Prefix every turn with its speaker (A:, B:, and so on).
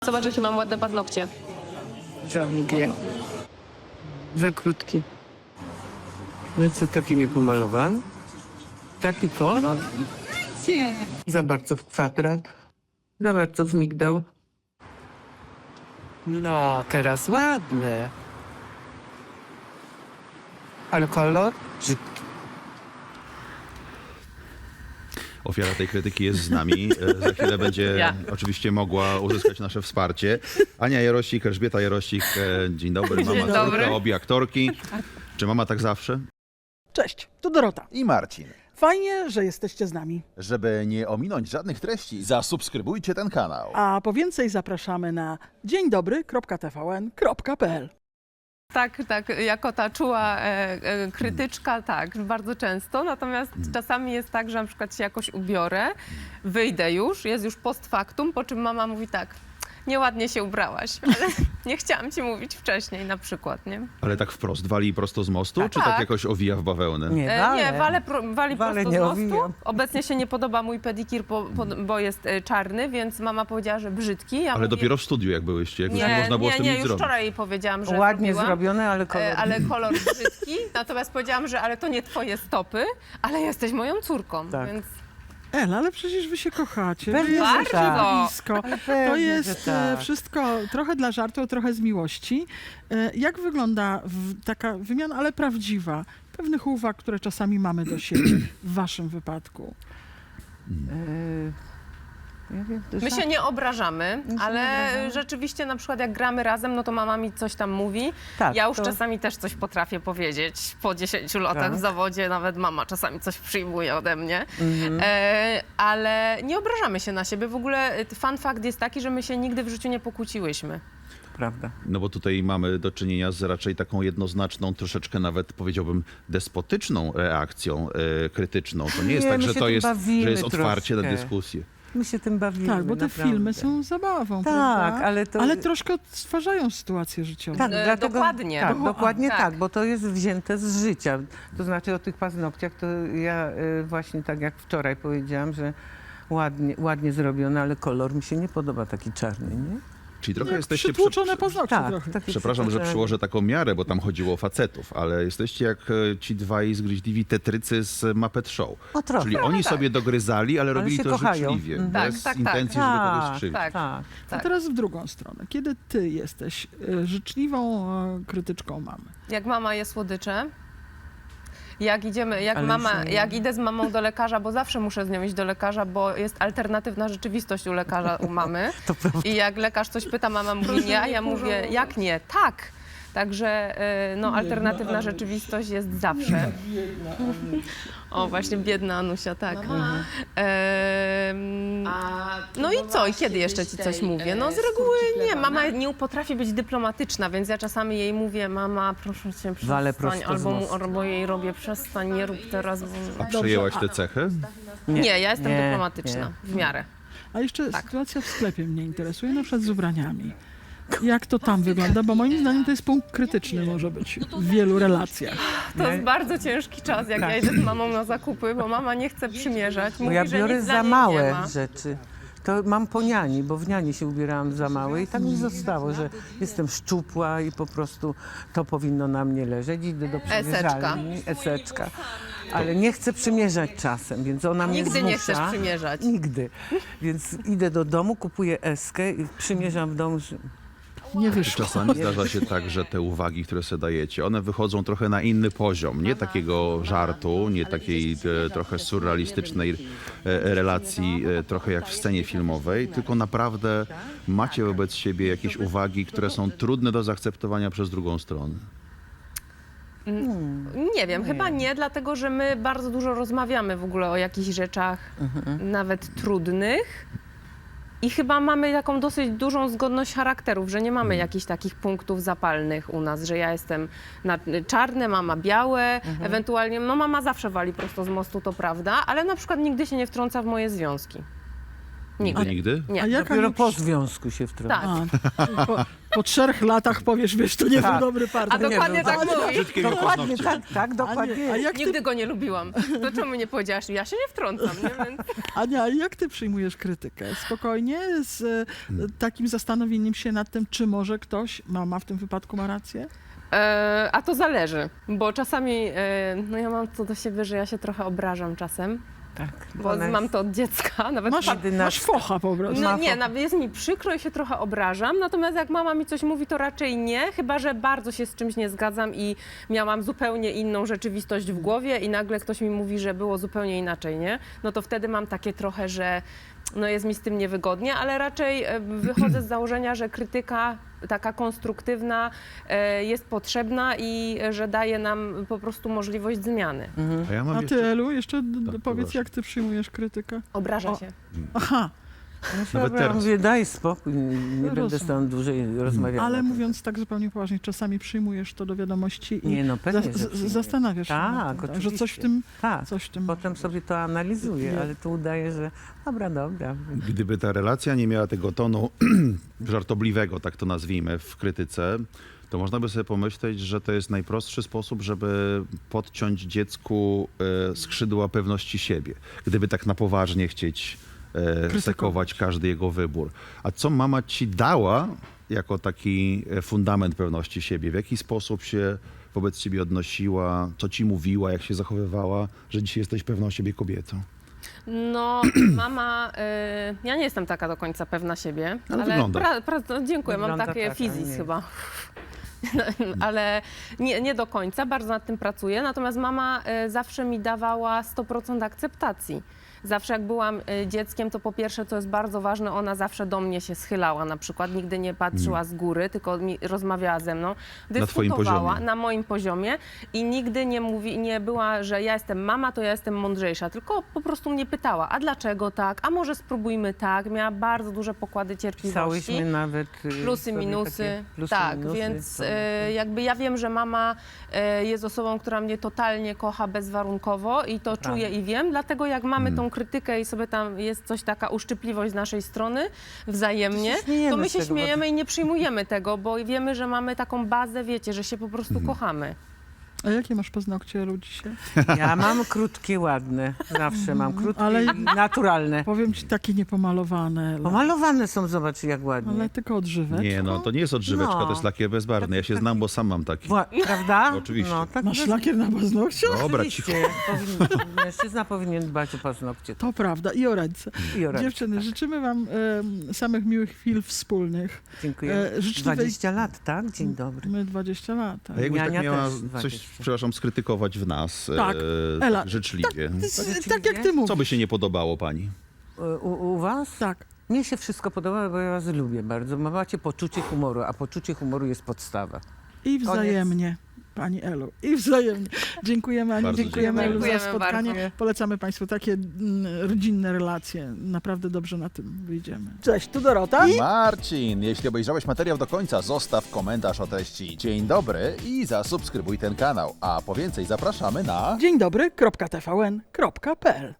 A: Zobacz, jakie mam ładne paznokcie.
B: Długie. Za krótkie. No co, taki nie pomalowany? Taki kolor? Nie. Za bardzo w kwadrat. Za bardzo w migdał. No, teraz ładne. Ale kolor? Brzydki.
C: Ofiara tej krytyki jest z nami. Za chwilę będzie oczywiście mogła uzyskać nasze wsparcie. Ania Jarosik, Elżbieta Jarosik. Dzień dobry. Mama córka, obie aktorki. Czy mama tak zawsze?
D: Cześć, tu Dorota.
E: I Marcin.
D: Fajnie, że jesteście z nami.
E: Żeby nie ominąć żadnych treści, zasubskrybujcie ten kanał.
D: A po więcej zapraszamy na dzieńdobry.tvn.pl.
A: Tak, jako ta czuła krytyczka, tak, bardzo często. Natomiast czasami jest tak, że na przykład się jakoś ubiorę, wyjdę już, jest już post factum, po czym mama mówi tak, nieładnie się ubrałaś, ale nie chciałam ci mówić wcześniej na przykład, nie?
C: Ale tak wprost wali prosto z mostu, czy tak
A: Tak.
C: jakoś owija w bawełnę?
A: Nie, wali prosto
B: nie
A: z mostu.
B: owijam.
A: Obecnie się nie podoba mój pedikir, bo jest czarny, więc mama powiedziała, że brzydki. Ja
C: Ale
A: mówię,
C: dopiero w studiu jak byłyście, jak już nie
A: nie,
C: można było z tym
A: nie,
C: nic
A: już
C: zrobić.
A: wczoraj jej powiedziałam, że
B: Ładnie
A: zrobiłam.
B: zrobione, ale kolor.
A: Ale kolor brzydki, natomiast powiedziałam, że ale to nie twoje stopy, ale jesteś moją córką,
B: Tak.
A: więc
D: Ela, ale przecież wy się kochacie.
B: Pewnie,
D: wy
B: że
D: jesteście
A: tak.
D: blisko.
B: Ale
D: To
B: pewnie,
D: jest
B: że tak.
D: wszystko trochę dla żartu, trochę z miłości. Jak wygląda taka wymiana, ale prawdziwa, pewnych uwag, które czasami mamy do siebie w waszym wypadku?
B: Ja wiem, to
A: my się nie obrażamy, ale
B: obrażamy.
A: rzeczywiście na przykład jak gramy razem, no to mama mi coś tam mówi.
B: Tak,
A: Ja już
B: to-
A: czasami też coś potrafię powiedzieć. Po 10 latach
B: Tak.
A: w zawodzie nawet mama czasami coś przyjmuje ode mnie.
B: Mhm.
A: Ale nie obrażamy się na siebie. W ogóle fun fact jest taki, że my się nigdy w życiu nie pokłóciłyśmy.
B: Prawda.
C: No bo tutaj mamy do czynienia z raczej taką jednoznaczną, troszeczkę nawet powiedziałbym despotyczną reakcją krytyczną. To nie jest
B: Nie,
C: tak,
B: my
C: że
B: się
C: to
B: tym
C: jest,
B: bawimy
C: że jest otwarcie na
B: troszkę.
C: dyskusję.
B: My się tym bawimy.
D: Tak, bo te
B: naprawdę.
D: filmy są zabawą,
B: Tak,
D: prawda?
B: ale to...
D: troszkę odtwarzają sytuację życiową.
B: Tak, dlatego,
A: Dokładnie.
B: Tak, dokładnie
A: Tak.
B: tak, bo to jest wzięte z życia. To znaczy o tych paznokciach, to ja właśnie tak jak wczoraj powiedziałam, że ładnie zrobione, ale kolor mi się nie podoba taki czarny, nie?
C: Czyli trochę
D: Jak
C: jesteście...
D: przytłuczone paznokcie trochę.
B: taki
C: Przepraszam, że
B: przytłuczony.
C: przyłożę taką miarę, bo tam chodziło o facetów, ale jesteście jak ci dwaj zgryźliwi tetrycy z Muppet Show.
B: O, trochę.
C: Czyli oni sobie dogryzali, ale robili
B: się
C: to
B: kochają.
C: życzliwie,
B: Mhm.
C: bez
A: Tak, tak,
C: intencji,
A: tak.
C: żeby kogoś
B: Tak,
C: skrzywdzić.
A: tak.
B: Tak.
D: A teraz w drugą stronę. Kiedy ty jesteś życzliwą krytyczką mamy?
A: Jak mama je słodycze, jak
B: Ale
A: jak idę z mamą do lekarza, bo zawsze muszę z nią iść do lekarza, bo jest alternatywna rzeczywistość u lekarza, u mamy.
B: To prawda.
A: I jak lekarz coś pyta, mama mówi nie, a ja mówię, jak nie? Tak! Także no, alternatywna rzeczywistość jest zawsze. O, właśnie biedna Anusia, tak. No i co? I kiedy jeszcze ci coś mówię? No z reguły nie. Mama nie potrafi być dyplomatyczna, więc ja czasami jej mówię, mama, proszę cię,
B: Wale
A: przestań,
B: prosto z mostu.
A: albo jej robię, przestań, nie rób teraz.
C: A przejęłaś te cechy?
A: Nie, ja jestem
B: nie,
A: dyplomatyczna, w miarę.
D: A jeszcze
A: Tak.
D: sytuacja w sklepie mnie interesuje, na przykład z ubraniami. Jak to tam wygląda? Bo moim zdaniem to jest punkt krytyczny może być w wielu relacjach.
A: To jest bardzo ciężki czas, jak ja idę z mamą na zakupy, bo mama nie chce przymierzać.
B: Bo
A: Mówi,
B: ja
A: że
B: biorę
A: nic dla
B: za
A: niej nie
B: małe
A: ma.
B: rzeczy. To mam po niani, bo w niani się ubierałam za małe i tak mi zostało, że jestem szczupła i po prostu to powinno na mnie leżeć. Idę do przymierzalni, eseczka. Ale nie chcę przymierzać czasem, więc ona mnie
A: Nigdy
B: zmusza.
A: nie chcesz przymierzać.
B: Nigdy. Więc idę do domu, kupuję eskę i przymierzam w domu.
D: Nie wyszło.
C: Czasami zdarza się tak, że te uwagi, które sobie dajecie, one wychodzą trochę na inny poziom. Nie takiego żartu, nie takiej trochę surrealistycznej relacji, trochę jak w scenie filmowej, tylko naprawdę macie wobec siebie jakieś uwagi, które są trudne do zaakceptowania przez drugą stronę.
A: Nie wiem, chyba nie, dlatego że my bardzo dużo rozmawiamy w ogóle o jakichś rzeczach, nawet trudnych. I chyba mamy taką dosyć dużą zgodność charakterów, że nie mamy jakichś takich punktów zapalnych u nas, że ja jestem czarne, mama białe, ewentualnie, no mama zawsze wali prosto z mostu, to prawda, ale na przykład nigdy się nie wtrąca w moje związki.
C: Nigdy?
A: Nie.
D: A jaka
B: Dopiero po związku się wtrąca.
A: Tak.
D: po 3 latach powiesz, wiesz, to nie był
B: Tak.
D: dobry partner.
A: A dokładnie tak mówi.
C: Brzydkie miał
B: Dokładnie,
C: paznokcie.
B: tak, dokładnie.
D: A jak ty,
A: Nigdy go nie lubiłam. To czemu nie powiedziałaś? Ja się nie wtrącam, nie? Więc...
D: Ania, jak ty przyjmujesz krytykę? Spokojnie, z takim zastanowieniem się nad tym, czy może ktoś, mama w tym wypadku ma rację?
A: A to zależy, bo czasami, no ja mam to do siebie, że ja się trochę obrażam czasem,
B: Tak,
A: bo
B: ona jest-
A: mam to od dziecka, nawet
D: Masz focha po prostu.
A: No nie, jest mi przykro i się trochę obrażam, natomiast jak mama mi coś mówi, to raczej nie, chyba że bardzo się z czymś nie zgadzam i miałam zupełnie inną rzeczywistość w głowie i nagle ktoś mi mówi, że było zupełnie inaczej, nie? No to wtedy mam takie trochę, że no jest mi z tym niewygodnie, ale raczej wychodzę z założenia, że krytyka taka konstruktywna jest potrzebna i że daje nam po prostu możliwość zmiany.
C: A ja mam
D: A
C: jeszcze...
D: ty, Elu, jeszcze
C: Tak,
D: powiedz,
C: proszę.
D: jak ty przyjmujesz krytykę?
A: Obraża
D: O.
A: się.
D: Aha,
C: Nawet
B: Ja
C: teraz.
B: mówię, daj spokój, nie będę
D: Rozumiem.
B: z tobą dłużej rozmawiała.
D: ale mówiąc tak zupełnie poważnie, czasami przyjmujesz to do wiadomości i
B: Nie, no pewnie, że przyjmuję.
D: zastanawiasz się
B: Tak,
D: nad tym, że
B: oczywiście.
D: coś w tym,
B: Tak,
D: coś w tym...
B: potem sobie to analizuję, ale tu udaję, że dobra.
C: Gdyby ta relacja nie miała tego tonu żartobliwego, tak to nazwijmy, w krytyce, to można by sobie pomyśleć, że to jest najprostszy sposób, żeby podciąć dziecku skrzydła pewności siebie. Gdyby tak na poważnie chcieć sekować każdy jego wybór. A co mama ci dała jako taki fundament pewności siebie? W jaki sposób się wobec ciebie odnosiła? Co ci mówiła? Jak się zachowywała? Że dzisiaj jesteś pewną siebie kobietą?
A: No, mama, ja nie jestem taka do końca pewna siebie,
C: Ale wygląda.
A: Dziękuję, mam
B: Wygląda
A: takie
B: tak,
A: fizis
B: ale nie.
A: chyba. Ale nie do końca, bardzo nad tym pracuję. Natomiast mama zawsze mi dawała 100% akceptacji. Zawsze jak byłam dzieckiem, to po pierwsze, co jest bardzo ważne, ona zawsze do mnie się schylała na przykład, nigdy nie patrzyła z góry, tylko rozmawiała ze mną,
C: Na twoim
A: dyskutowała
C: poziomie.
A: na moim poziomie i nigdy nie była, że ja jestem mama, to ja jestem mądrzejsza, tylko po prostu mnie pytała, a dlaczego tak, a może spróbujmy tak, miała bardzo duże pokłady cierpliwości.
B: Pisałyśmy nawet
A: Plusy,
B: sobie
A: minusy.
B: takie plusy,
A: Tak,
B: minusy,
A: więc
B: to-
A: jakby ja wiem, że mama jest osobą, która mnie totalnie kocha bezwarunkowo i to czuję i wiem, dlatego jak mamy tą krytykę i sobie tam jest coś taka uszczypliwość z naszej strony wzajemnie,
B: śmiejemy
A: to my
B: z
A: się
B: tego, bo-
A: śmiejemy i nie przyjmujemy tego, bo wiemy, że mamy taką bazę, wiecie, że się po prostu kochamy.
D: A jakie masz paznokcie, Elu, dzisiaj?
B: Ja mam krótkie, ładne. Zawsze mam krótkie
D: Ale-
B: i naturalne.
D: Powiem ci, takie niepomalowane, Elu.
B: Pomalowane są, zobacz jak ładnie.
D: Ale tylko odżywek.
C: Nie, no to nie jest odżyweczka,
B: No.
C: to jest lakier bezbarwny. Ja się znam, bo sam mam taki.
B: Prawda?
C: Oczywiście.
B: No, tak
D: Masz lakier na paznokciu?
C: Dobra, cicho.
B: Oczywiście. Mężczyzna powinien dbać o paznokcie.
D: To prawda, i o ręce.
B: I o ręce,
D: Dziewczyny,
B: tak.
D: życzymy wam samych miłych chwil wspólnych.
B: Dziękuję.
D: życzliwej-
B: 20 lat, tak? Dzień dobry.
D: My 20 lat. tak.
C: A jakbyś tak
B: Miania
C: miała
B: też
C: coś,
B: 20.
C: przepraszam, skrytykować w nas
D: Tak. Ela,
C: życzliwie.
D: Tak jak ty mówisz.
C: Co by się nie podobało pani?
B: U was?
D: Tak.
B: Mnie się wszystko podoba, bo ja was lubię bardzo. Macie poczucie humoru, a poczucie humoru jest podstawa.
D: I wzajemnie, pani Elu. I wzajemnie. Dziękujemy Ani,
C: Bardzo
D: dziękujemy Elu za
A: dziękujemy
D: spotkanie.
A: bardzo.
D: Polecamy Państwu takie rodzinne relacje. Naprawdę dobrze na tym wyjdziemy. Cześć, tu Dorota.
E: Marcin, jeśli obejrzałeś materiał do końca, zostaw komentarz o treści. Dzień dobry i zasubskrybuj ten kanał. A po więcej zapraszamy na...
D: Dzień dobry, .tvn.pl